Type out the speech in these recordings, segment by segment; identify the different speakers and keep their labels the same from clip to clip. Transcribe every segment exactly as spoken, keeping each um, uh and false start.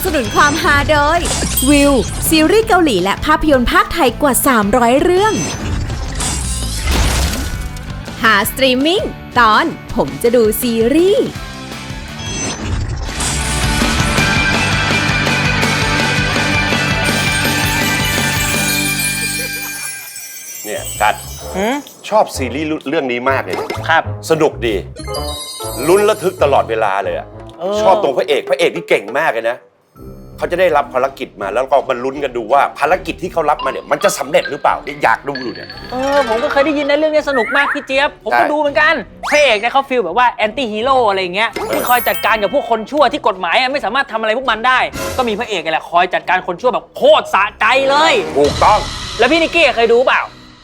Speaker 1: นุนความฮาโดยวิวซีรีส์เกาหลีและภาพยนตร์ภาคไทยกว่าสามร้อยเรื่องหาสตรีมมิ่งตอนผมจะดูซีรีส์
Speaker 2: เนี่ยกัดชอบซีรีส์เรื่องนี้มากเลยครับสนุกดีลุ้นระทึกตลอดเวลาเลยอ่ะชอบตรงพระเอกพระเอกที่เก่งมากเลยนะเขาจะได้รับภารกิจมาแล้วก็มาลุ้นกันดูว่าภารกิจที่เขารับมาเนี่ยมันจะสำเร็จหรือเปล่าอยากดูอยู่เนี่ย
Speaker 3: เออผมก็เคยได้ยินในเรื่องนี้สนุกมากพี่เจี๊ยบผมก็ดูเหมือนกันพระเอกเนี่ยเขาฟีลแบบว่าแอนตี้ฮีโร่อะไรอย่างเงี้ยที่คอยจัดการกับพวกคนชั่วที่กฎหมายไม่สามารถทำอะไรพวกมันได้ก็มีพระเอกแหละคอยจัดการคนชั่วแบบโคตรสะใจเลย
Speaker 2: ถูกต้อง
Speaker 3: แล้วพี่นิกกี้เคยดูเปล่า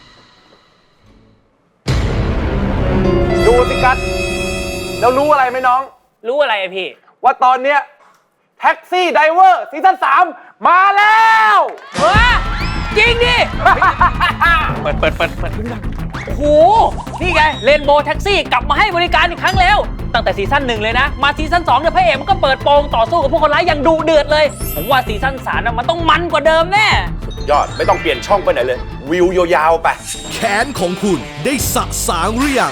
Speaker 4: ดูสิกัสแล้วรู้อะไรไหมน้อง
Speaker 3: รู้อะไรพี่
Speaker 4: ว่าตอนเนี้ยแท็กซี่ไดเวอร์ซีซั่นสามมาแล้ว
Speaker 3: เฮ้ยจริงดิเปิดเปิดเปิดเปิดโอ้โหนี่ไงเรนโบว์แท็กซี่กลับมาให้บริการอีกครั้งแล้วตั้งแต่ซีซั่นหนึ่งเลยนะมาซีซั่นสองเนี่ยพระเอกมันก็เปิดโปงต่อสู้กับพวกคนร้ายอย่างดุเดือดเลยผมว่าซีซั่นสามมันต้องมันกว่าเดิมแน่
Speaker 2: สุดยอดไม่ต้องเปลี่ยนช่องไปไหนเลยวิวยาวๆไป
Speaker 5: แขนของคุณได้สะสางหรือยัง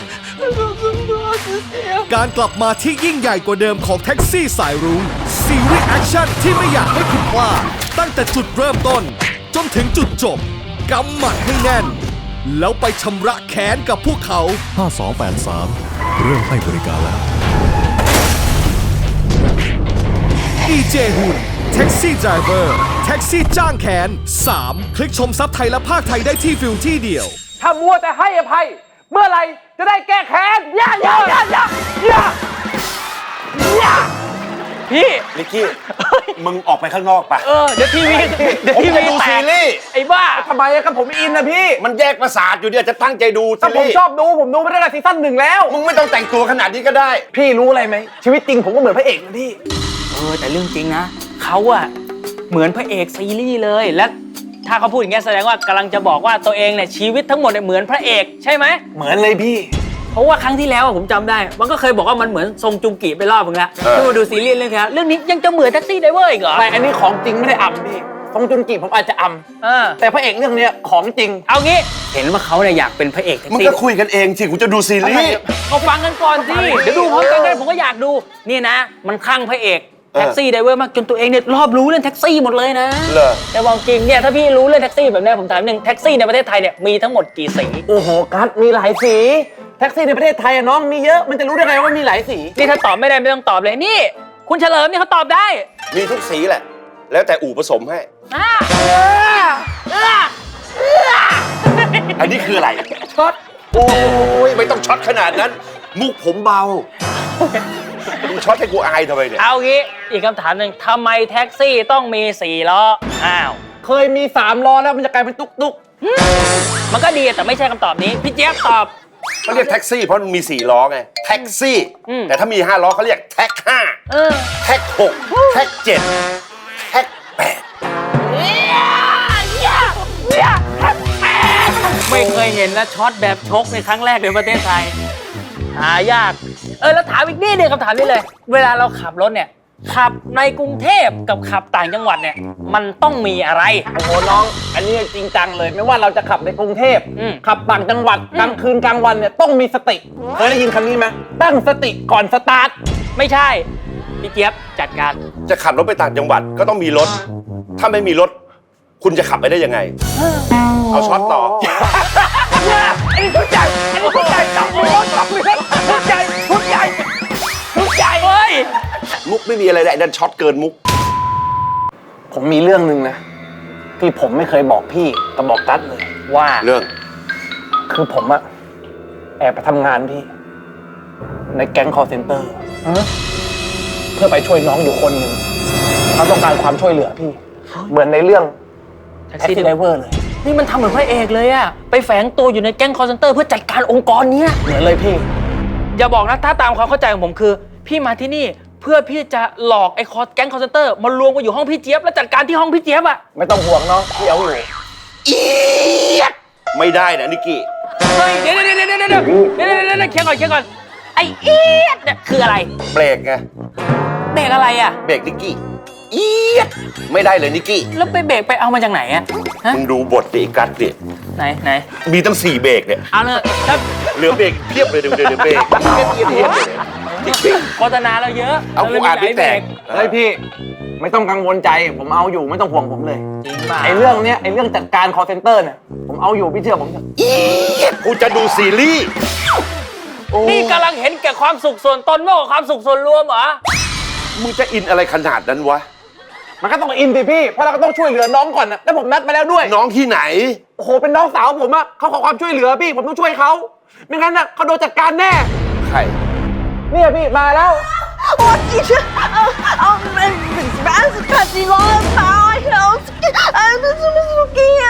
Speaker 5: การกลับมาที่ยิ่งใหญ่กว่าเดิมของแท็กซี่สายรุ้งซีรีส์แอคชั่นที่ไม่อยากให้คุณพลาดตั้งแต่จุดเริ่มต้นจนถึงจุดจบกำหมัดให้แน่นแล้วไปชำระแค้นกับพวกเขา
Speaker 6: ห้า สอง แปด สามเริ่มให้บริการแล้ว
Speaker 5: อี เจ หุ่นแท็กซี่ไดรเวอร์แท็กซี่จ้างแค้นสามคลิกชมซับไทยและภาคไทยได้ที่ฟิลที่เดียว
Speaker 4: ถ้ามัวแต่ให้อภัยเมื่อไหร่จะได้แก้แค้นย่าย่าย่าย่าย่าย่า
Speaker 3: พี่
Speaker 2: นิกกี้มึงออกไปข้างนอกปะ
Speaker 3: เออเดี๋ยวทีวีเดี๋ยวทีวี
Speaker 2: ดูซีรีส์
Speaker 3: ไอ้บ้า
Speaker 4: ทำไมครับผมอินนะพี่
Speaker 2: มันแยกประสาทอยู่เนี่ยจะตั้งใจดูซีรีส์
Speaker 4: ผมชอบดูผมดูมาตั้งแต่ซีซั่นหนึ่งแล้ว
Speaker 2: มึงไม่ต้องแต่งตัวขนาดนี้ก็ได้
Speaker 4: พี่รู้อะไรไหมชีวิตจริงผมก็เหมือนพระเอกนะพี่
Speaker 3: เออแต่เรื่องจริงนะเขาอะเหมือนพระเอกซีรีส์เลยและถ้าเขาพูดอย่างเงี้ยแสดงว่ากำลังจะบอกว่าตัวเองเนี่ยชีวิตทั้งหมดเนี่ยเหมือนพระเอกใช่ไหม
Speaker 4: เหมือนเลยพี่
Speaker 3: เพราะว่าครั้งที่แล้วผมจำได้มันก็เคยบอกว่ามันเหมือนทรงจุงกิไปรอบนึงแล้วที่มาดูซีรีส์เรื่องนี้เรื่องนี้ยังจะเหมือนแท็กซี่ไดเวอร์อีกเหรอ
Speaker 4: ไม่อันนี้ของจริงไม่ได้อำพี่ทรงจุงกิผมอาจจะอำแต่พระเอกเรื่องนี้ของจริง
Speaker 3: เอางี้เห็นว่าเขาเนี่ยอยากเป็นพระเอกแท็กซี่
Speaker 2: มึงก็คุยกันเองสิกูจะดูซีรีส์
Speaker 3: เขาฟังกันก่อนสิเดี๋ยวดูพร้อมกันได้ผมก็อยากดูนี่นะมันคลั่งพระเอกแท็กซี่ไดเวอร์มากจนตัวเองเนี่ยรอบรู้เรื่องแท็กซี่หมดเลยนะแต่บอกจริงเนี่ยถ้าพี่รู้เรื่องแท็กซี่แบบนี้ผมถามหนึ่งแท็กซี่ในประเทศไทยเนี่ยมีทั้งหมดกี่สี
Speaker 4: โอ้โหกัสมีหลายสีแท็กซี่ในประเทศไทยอะน้องมีเยอะมันจะรู้ได้ไงว่ามีหลายสี
Speaker 3: นี่ถ้าตอบไม่ได้ไม่ต้องตอบเลยนี่คุณเฉลิมนี่เขาตอบได้
Speaker 2: มีทุกสีแหละแล้วแต่อู่ผสมให้อันนี้คืออะไร
Speaker 4: ช็อต
Speaker 2: โอ้ยไม่ต้องช็อตขนาดนั้นมุกผมเบามึงช็อตให้กูอายทำไมเนี่ย
Speaker 3: เอางี้อีกคำถามหนึ่งทำไมแท็กซี่ต้องมีสี่ล้ออ้าว
Speaker 4: เคยมีสามล้อแล้วมันจะกลายเป็นตุ๊กตุ๊ก
Speaker 3: มันก็ดีแต่ไม่ใช่คำตอบนี้พี่เจี๊ยบตอบ
Speaker 2: เขาเรียกแท็กซี่เพราะมันมีสี่ล้อไงแท็กซี่แต่ถ้ามีห้าล้อเขาเรียกแท็กห้าแท็กหกแท็กเจ็ดแท็กแปด
Speaker 3: ไม่เคยเห็นนะช็อตแบบชกในครั้งแรกในประเทศไทยหายากเออแล้วถามอีกนิดนึงคำถามนี้เลยเวลาเราขับรถเนี่ยขับในกรุงเทพกับขับต่างจังหวัดเนี่ยมันต้องมีอะไร
Speaker 4: โอ้โหน้องอันนี้จริงจังเลยไม่ว่าเราจะขับในกรุงเทพขับต่างจังหวัดกลางคืนกลางวันเนี่ยต้องมีสติเคยได้ยินคำนี้ไหมตั้งสติก่อนสตาร์ท
Speaker 3: ไม่ใช่พี่เจี๊ยบจัดการ
Speaker 2: จะขับรถไปต่างจังหวัดก็ต้องมีรถถ้าไม่มีรถคุณจะขับไปได้ยังไงเอาช็อตต่อ
Speaker 4: ไอ้ทุกใจไอ้ทุกใจจับมือจับมือทุกใจทุกใจทุกใจ
Speaker 3: เฮ้ย
Speaker 2: มุกไม่มีอะไรเลยนั่นช็อตเกินมุก
Speaker 4: ผมมีเรื่องหนึ่งนะที่ผมไม่เคยบอกพี่กับบอกกัสเลย
Speaker 3: ว่า
Speaker 2: เรื่อง
Speaker 4: คือผมอะแอบไปทำงานพี่ในแก๊ง call center เพื่อไปช่วยน้องอยู่คนหนึ่งเขาต้องการความช่วยเหลือพี่เหมือนในเรื่องแท็กซี่ไดเวอร์เลย
Speaker 3: นี่มันทำเหมือนพระเอกเลยอะไปแฝงตัวอยู่ในแก๊ง call center เพื่อจัดการองค์กรเนี้ย
Speaker 4: เหมือนเลยพี่
Speaker 3: อย่าบอกนะถ้าตามความเข้าใจของผมคือพี่มาที่นี่เพื่อพี่จะหลอกไอ้คอแก๊ง call center มารวมกันอยู่ห้องพี่เจี๊ยบแล้วจัดการที่ห้องพี่เจี๊ยบอะ
Speaker 4: ไม่ต้องห่วงเนาะพี่เอาอยู่
Speaker 2: อีไม่ได้นะนิกกี้
Speaker 3: เฮ้ยเดี๋ยวเดี๋ยวเดี๋ยวเดี๋ยวเดี๋ยวเดี๋ยวเดี๋ยวเดี๋ยวเคียงก่อนเคียงก่อนไอ้อีดเนี่ยคืออะไร
Speaker 2: เบรกไง
Speaker 3: เบรกอะไรอะ
Speaker 2: เบรกนิกกี้เอียดไม่ได้เลยนิกกี้
Speaker 3: แล้วไปเบรกไปเอามาจากไหนอะฮะ
Speaker 2: มึงดูบทดิกัดดิ
Speaker 3: ไหนไหน
Speaker 2: มีตั้งสี่เบรกเนี่ย
Speaker 3: เอาเลยถ้า
Speaker 2: เหลือเบรกเพียบเลยเดี๋ยวเดี๋ยวเดี๋ยวเบรกเพียบเพียบเพียบเลยจริง
Speaker 3: โฆษณาเราเยอะ
Speaker 2: เอากูอ่านไม่แตก
Speaker 4: เฮ้ยพี่ ไม่ต้องกังวลใจ ผมเอาอยู่ไม่ต้องห่วงผมเลย
Speaker 3: จริงป่ะ
Speaker 4: ไอ้เรื่องเนี้ยไอ้เรื่องจัดการ call center เนี่ยผมเอาอยู่พี่เชื่อผมเถอะ
Speaker 2: เอียดกูจะดูซีรีส์
Speaker 3: นี่กำลังเห็นแก่ความสุขส่วนตนมากกว่าความสุขส่วนรวมเหรอ
Speaker 2: มึงจะอินอะไรขนาดนั้นวะ
Speaker 4: มันก็ต้องอินสิพี่เพราะเราก็ต้องช่วยเหลือน้องก่อนนะแล้วผมนัดมาแล้วด้วย
Speaker 2: น้องที่ไหน
Speaker 4: โอ้โหเป็นน้องสาวผมอะเขาขอความช่วยเหลือพี่ผมต้องช่วยเขาไม่งั้นน่ะเขาโดนจัดการแน่
Speaker 2: ใคร
Speaker 4: เนี่ยพี่มาแล้ว
Speaker 1: 我其实呃呃没没没是看见我跑了，呃这是不是给呀？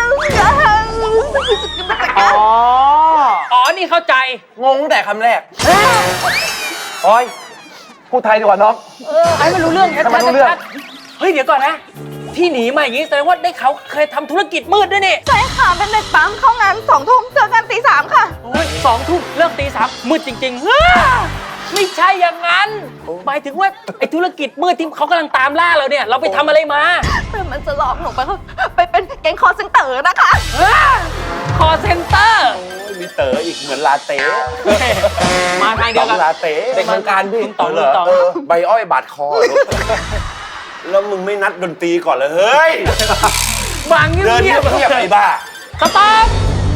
Speaker 4: อ๋อ
Speaker 3: อ๋อ นี่เข้าใจ
Speaker 4: งงแต่คำแรกโอ้ยพูดไทยดีกว่าน้อง
Speaker 3: เออไอ้ไม่รู้เรื่องชัด
Speaker 4: ทำไมรู้เรื่อง
Speaker 3: ชัดเฮ้ย เดี๋ยวก่อนนะ ที่หนีมาอย่างนี้แสดงว่าได้เขาเคยทำธุรกิจมืดด้วยนี่
Speaker 1: ใช่ค่ะเป็นเด็กปั๊มเข้างานสองทุ่มเจอกันตีสามค่ะ
Speaker 3: โอ้ยสองทุ่มเลิกตีสามมืดจริงๆอ้าไม่ใช่อย่างนั้น หมายถึงว่าไอ้ธุรกิจมืดที่เขากำลังตามล่าเราเนี่ย เราไปทำอะไรมา
Speaker 1: แต่มันจะหลอกหนูไปไปเป็นแก๊งคอร์เซนเตอร์นะคะ
Speaker 3: คอเซ็นเตอร์
Speaker 2: โอ้ยมีเต๋ออีกเหมือนลาเต้
Speaker 3: มาทางเดียวกัน
Speaker 2: ลาเต้
Speaker 4: เด็กเมืองการพี่
Speaker 3: ต่อ
Speaker 2: เหร
Speaker 3: เลย
Speaker 2: อ
Speaker 3: ต่อ
Speaker 2: เออใบอ้อยบาดคอ แล้วมึงไม่นัดดนตรีก่อนเลยเฮ้ย
Speaker 3: บางเงี
Speaker 2: เดิน
Speaker 3: ย
Speaker 2: เงีย
Speaker 3: บบ
Speaker 2: เงียบไอ้บ้า
Speaker 3: สต๊อป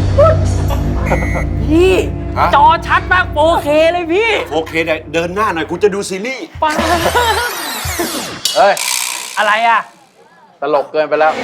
Speaker 3: พี่
Speaker 2: ฮะ
Speaker 3: จอชัดมากโอเคเลยพี่
Speaker 2: โอเคได้เดินหน้าหน่อยกูจะดูซีรีส์
Speaker 3: ป้า
Speaker 4: เฮ้ย
Speaker 3: อะไรอ่ะ
Speaker 4: ตลกเกินไปแล้ว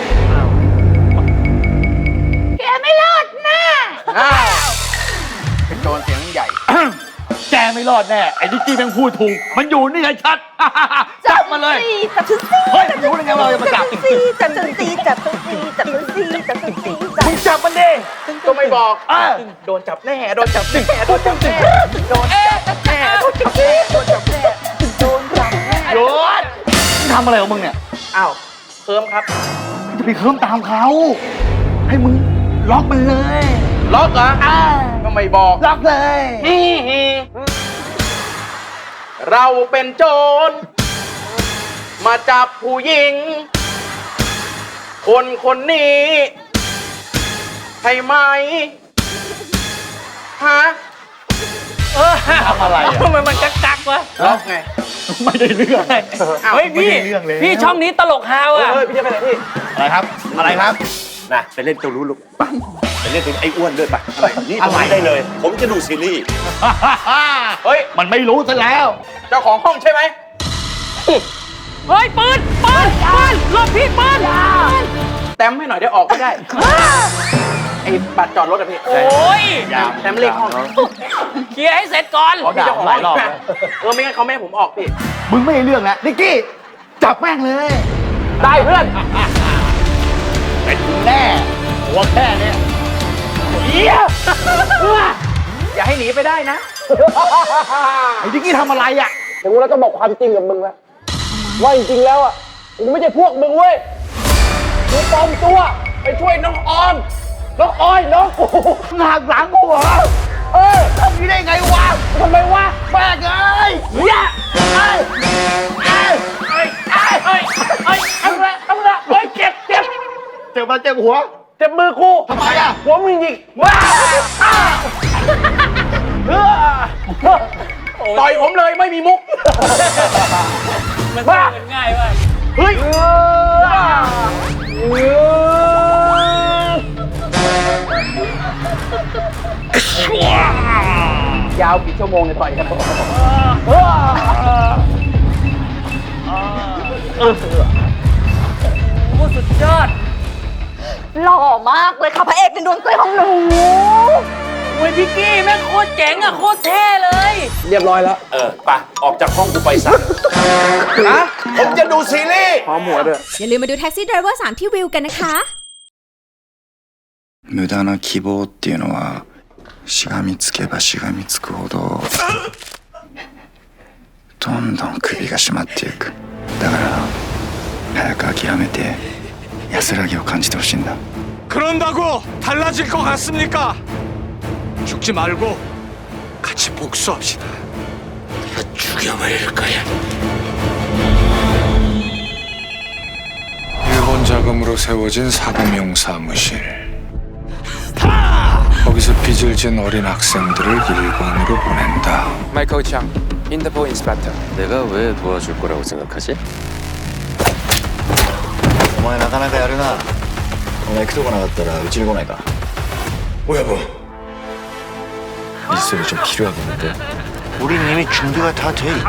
Speaker 1: แกไม่รอดแน่
Speaker 4: อ้าวเป็นโจรเสียงใหญ่
Speaker 3: แกไม่รอดแน่ ไอ้นิกกี้แม่งพูดถูก มันอยู่นี่ไงชัด จับมาเลย
Speaker 1: จับฉันสิ
Speaker 3: เฮ้ยรู้ได้ไงว่าเราจะมาจับ
Speaker 1: จับฉันสิจับฉันสิจับฉันสิจับฉันสิจับฉันสิจับ
Speaker 3: มึงจับมันดิ
Speaker 4: ก็ไม่บอก
Speaker 3: อ่ะ
Speaker 4: โดนจับแน่ โดนจับแน่ โดนจับแน่ โดน
Speaker 3: เอ๊ะ
Speaker 4: จับแน่ โดนจับแน่ โดนจับแน่ โดนจับแน่
Speaker 3: หยุดมึงทำอะไรของมึงเนี่ย
Speaker 4: อ้าวเคิร์มครับ
Speaker 3: จะไปเคิ่มตามเขา ให้มึงล็อกมันเลย
Speaker 4: ล็อกเหรอก็ไม่บอก
Speaker 3: ล็อกเลย
Speaker 4: เราเป็นโจร มาจับผู้หญิง คนคนนี้ใช่ไหมฮะ
Speaker 3: เออทำอะไรอ่ะทำไมมันกักกักๆวะ
Speaker 4: ล็อกไง
Speaker 3: ไม่ได้เรื่อง เฮ้ยพี่ พี่ช่องนี้ตลกฮาว
Speaker 4: เฮ้ย
Speaker 3: อ่ะ
Speaker 4: เฮ้ยพี่จะไปไหนพี่
Speaker 2: อะไรครับ อะไรครับนะไปเล่นตัวรู้ลูกไปไปเล่นตัวไอ้อ้วนด้วยไปนี่ตรงนี้ได้เลย ผมจะดูซีรีส์
Speaker 4: เฮ้ย
Speaker 3: มันไม่รู้ซะแล้ว
Speaker 4: เจ้าของห้องใช่ไหม
Speaker 3: เฮ้ยปืนปืนปืนหลบพี่ปืน
Speaker 4: แต้มให้หน่อยได้ออกไม่ได้ ไอ้บัตรจอดรถอะพี่
Speaker 3: โอ้ย
Speaker 4: แต้มเลขห้อง
Speaker 3: เคลียร์ให้เสร็จก่อน
Speaker 4: พี่เจ้าของห้องเออไม่งั้นเขาไม่ให้ผมออกพี่
Speaker 3: มึงไม่ให้เรื่องแล้วนิกกี้ จับแม่งเลย
Speaker 4: ได้เพื่อน
Speaker 3: เป็นมึงแน่หัวแค่เนี้ยเหี้ย
Speaker 4: อย่าให้หนีไปได้นะ
Speaker 3: ไอ้นิกกี้ทำอะไรอ่ะ
Speaker 4: เดี๋ยวกูแล้วก็บอกความจริงกับมึงแล้วว่าจริงๆแล้วอ่ะกูไม่ใช่พวกมึงเว้ยกูปลอมตัวไปช่วยน้องออมน้องออยน้องกูหนักหลังกูเหรอเออทำนี้ได้ไงวะทำไมวะแม่งเอ้ยเฮียไอ้ไอ้ไอ้ไอ้ไอ้ไอ้ทำไรทำไรเฮ้ยเจ็บเจ็บเจ็บมาเจ็บหัวเจ็บมือกูทำไมอ่ะหัวมึงยิงว้าต่อยผมเลยไม่มีมุก
Speaker 3: มันบ้ามันง่ายว่ะ
Speaker 4: เฮ้ยยาวกี่ชั่วโมงเนี่ยต่อยกัน
Speaker 3: โอ้สุดยอด
Speaker 1: หล่อมากเลยค่ะพระเอกในดวงใจของหนู
Speaker 3: โอ้ยพี่กี้แม่งโคตรเจ๋งอ่ะโคตรเท่เลย
Speaker 4: เรียบร้อยแล้ว
Speaker 2: เออไปออกจากห้องกูไปซะนะผมจะดูซีรีส์
Speaker 4: พร้อมหัวด้วย
Speaker 1: อย่าลืมมาดูแท็กซี่ไดรเวอร์สามที่วิวกันนะคะ
Speaker 7: 無駄な希望っていうのはしがみつけばしがみつくほどどんどん首が締まっていくだから早く諦めて安らぎを感じてほしいんだ
Speaker 5: 그런다고 달라질 것 같습니까? 죽지 말고 같이 복수합시다.
Speaker 7: 죽여버릴 거야 모은 자금으로 세워진 사범용 사무실. 거기서 빚을 진 어린 학생들을 일본으로 보낸다.
Speaker 8: 마이클 장, 인터폴 인스펙터.
Speaker 9: 내가 왜 도와줄 거라고 생각하지?
Speaker 10: お前なかなかやるな。お前行くとこなかったらうちに来ないか。
Speaker 7: 여보,
Speaker 9: 일소리 좀 필요하겠는데?
Speaker 10: 우린 이미 준비가 다 돼 있지.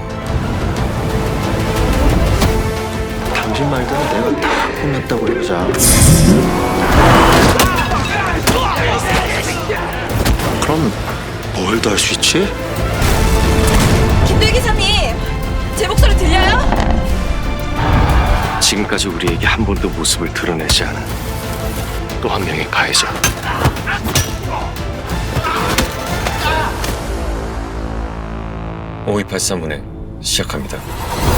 Speaker 10: 당신 말대로 내가 다 혼냈다고 해보자. 그럼 뭘 더 할 수 있지?
Speaker 1: 김도희 기사님, 제 목소리 들려요?
Speaker 9: 지금까지 우리에게 한 번도 모습을 드러내지 않은 또 한 명의 가해자. 오이팔삼 분에 시작합니다.